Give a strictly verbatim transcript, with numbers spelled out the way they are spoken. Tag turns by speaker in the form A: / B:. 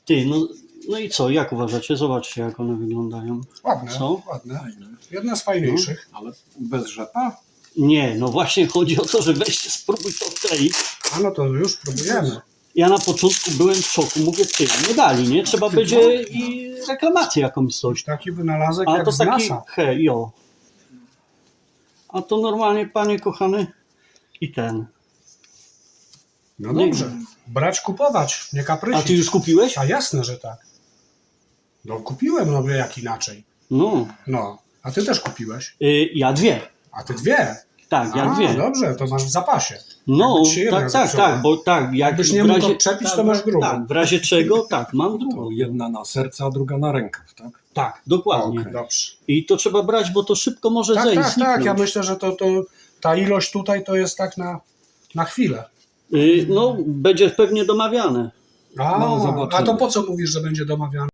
A: Ty, no, no i co, jak uważacie? Zobaczcie, jak one wyglądają.
B: Ładne,
A: Co?
B: ładne. Jedna z fajniejszych.
C: Ale bez rzepa?
A: Nie, no właśnie chodzi o to, że weźcie, spróbuj to odkleić.
B: A no to już próbujemy.
A: Ja na początku byłem w szoku, mówię, ty, nie dali, nie? Trzeba będzie i reklamację jakąś coś.
B: Taki wynalazek
A: A
B: jak
A: to
B: z
A: taki,
B: NASA.
A: he, jo. A to normalnie, panie kochany, i ten.
B: No dobrze. Brać, kupować, nie
A: A
B: kaprysić.
A: ty już kupiłeś?
B: A jasne, że tak. No kupiłem, no jak inaczej.
A: No,
B: No, a ty też kupiłeś.
A: y, ja dwie.
B: A ty dwie.
A: Tak, ja
B: A,
A: dwie.
B: dobrze, to masz w zapasie.
A: No,
B: Jakby ci się jedna
A: tak, tak,
B: zepsuła.
A: tak, bo tak, jak
B: Jakbyś nie
A: w
B: mógł
A: razie,
B: odczepić,
A: tak,
B: to masz drugą.
A: Tak, w razie czego, tak, mam drugą.
C: To jedna na serce, a druga na rękaw, tak?
A: Tak, dokładnie.
C: Okej.
B: Dobrze.
A: I to trzeba brać, bo to szybko może
B: Tak,
A: zejść.
B: tak, tak.
A: zniknąć.
B: Ja myślę, że to, to ta ilość tutaj to jest tak na, na chwilę.
A: Y, no, będzie pewnie domawiane.
B: A,
C: No, zobaczymy.
B: a to po co mówisz, że będzie domawiane?